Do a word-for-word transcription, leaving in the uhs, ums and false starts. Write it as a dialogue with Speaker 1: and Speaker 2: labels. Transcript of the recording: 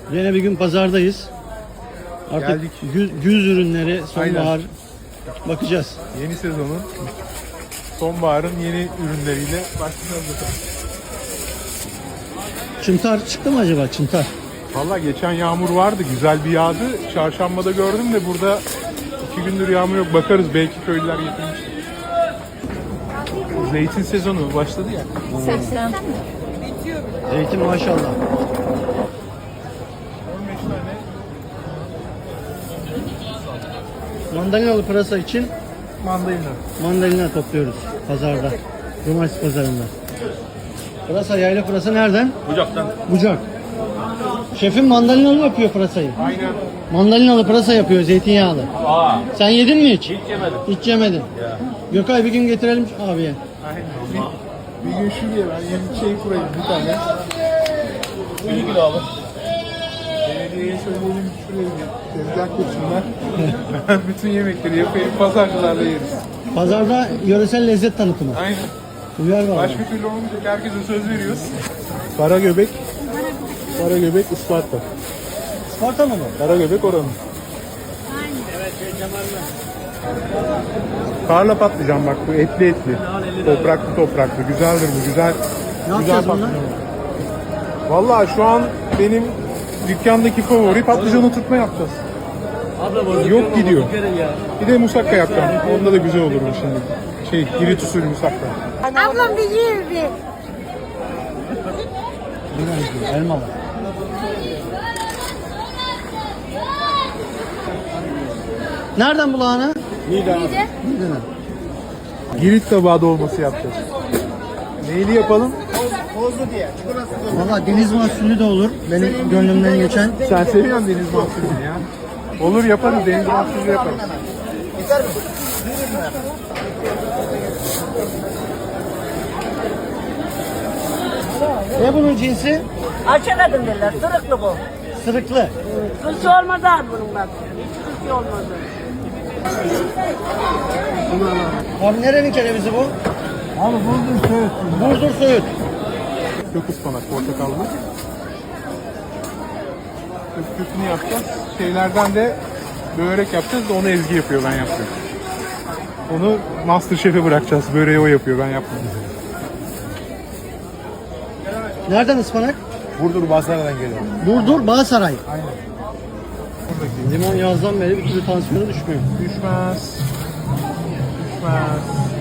Speaker 1: Yine bir gün pazardayız. Artık
Speaker 2: Geldik.
Speaker 1: güz, güz ürünleri, sonbahar bakacağız.
Speaker 2: Yeni sezonun, sonbaharın yeni ürünleriyle başlayacağız bakalım.
Speaker 1: Çıntar çıktı mı acaba çıntar?
Speaker 2: Valla geçen yağmur vardı, güzel bir yağdı. Çarşambada gördüm de burada iki gündür yağmur yok. Bakarız, belki köylüler getirmiştir. Zeytin sezonu başladı ya.
Speaker 3: seksen.
Speaker 1: Zeytin maşallah.
Speaker 2: on beş tane.
Speaker 1: Mandalinalı pırasa için
Speaker 2: Mandalina.
Speaker 1: mandalina topluyoruz pazarda. Cumartesi pazarında. Pırasa, yayla pırasa nereden?
Speaker 2: Bucaktan.
Speaker 1: Bucak. Şefim mandalinalı yapıyor pırasayı.
Speaker 2: Aynen.
Speaker 1: Mandalinalı pırasa yapıyor, zeytinyağlı.
Speaker 4: Aa,
Speaker 1: Sen yedin mi hiç?
Speaker 4: hiç yemedim.
Speaker 1: Hiç yemedin.
Speaker 4: Ya.
Speaker 1: Gökay bir gün getirelim abiye.
Speaker 2: Aynen. Bir, bir gün şuraya ben yeni şey kurayım bir tane.
Speaker 4: Bir kilo alır.
Speaker 2: Belediyeye söyleyelim şuraya bir tezgah kursunlar. Ben bütün yemekleri yapayım, pazarcılarla yeriz.
Speaker 1: Pazarda yöresel lezzet tanıtımı.
Speaker 2: Aynen.
Speaker 1: Uyar var.
Speaker 2: Başka türlü olmayacak, herkese söz veriyoruz. Karagöbek, Karagöbek Isparta.
Speaker 1: Sparta mı bu?
Speaker 2: Karagöbek oranın. Karla patlıcan bak, bu etli etli. Topraklı topraklı. Güzeldir bu, güzel.
Speaker 1: Ne
Speaker 2: güzel
Speaker 1: yapacağız bunlar?
Speaker 2: patlıcan. Vallahi şu an benim dükkandaki favori patlıcan oturtma yapacağız. Yok gidiyor. Bir de musakka yapacağım. Onda da güzel olur bu şimdi. Şey, Girit usulü musakka.
Speaker 3: Ablam bilirdi.
Speaker 1: Elmalı. Nereden bulağını?
Speaker 2: Nida.
Speaker 1: Neden?
Speaker 2: Girit tabağı dolması yapacağız. Neyli yapalım?
Speaker 1: Valla deniz mahsulü de olur. Benim gönlümden geçen.
Speaker 2: Sen seviyorsun deniz mahsulünü ya. Olur yaparız, deniz mahsulü yaparız.
Speaker 1: Ne bunun cinsi?
Speaker 5: Açamadım derler, sırıklı bu.
Speaker 1: Sırıklı.
Speaker 5: Kılçı olmadı abi bunun bak. Hiç kılçı olmadı.
Speaker 1: Abi nerenin kerevizi bu? Abi Burdur Söğüt. Burdur Söğüt.
Speaker 2: Kök ıspanak, portakallı. Kök kökünü yapacağız. Şeylerden de börek yapacağız da onu Ezgi yapıyor, ben yapıyorum. Onu Masterchef'e bırakacağız. Böreği o yapıyor, ben yapmıyorum.
Speaker 1: Nereden ıspanak?
Speaker 4: Burdur Basra'dan geliyor.
Speaker 1: Burdur Bağsaray.
Speaker 2: Aynen. Buradaki
Speaker 1: Limon yazdan beri bir türlü tansiyonu düşmüyor.
Speaker 2: düşmez. Düşmez.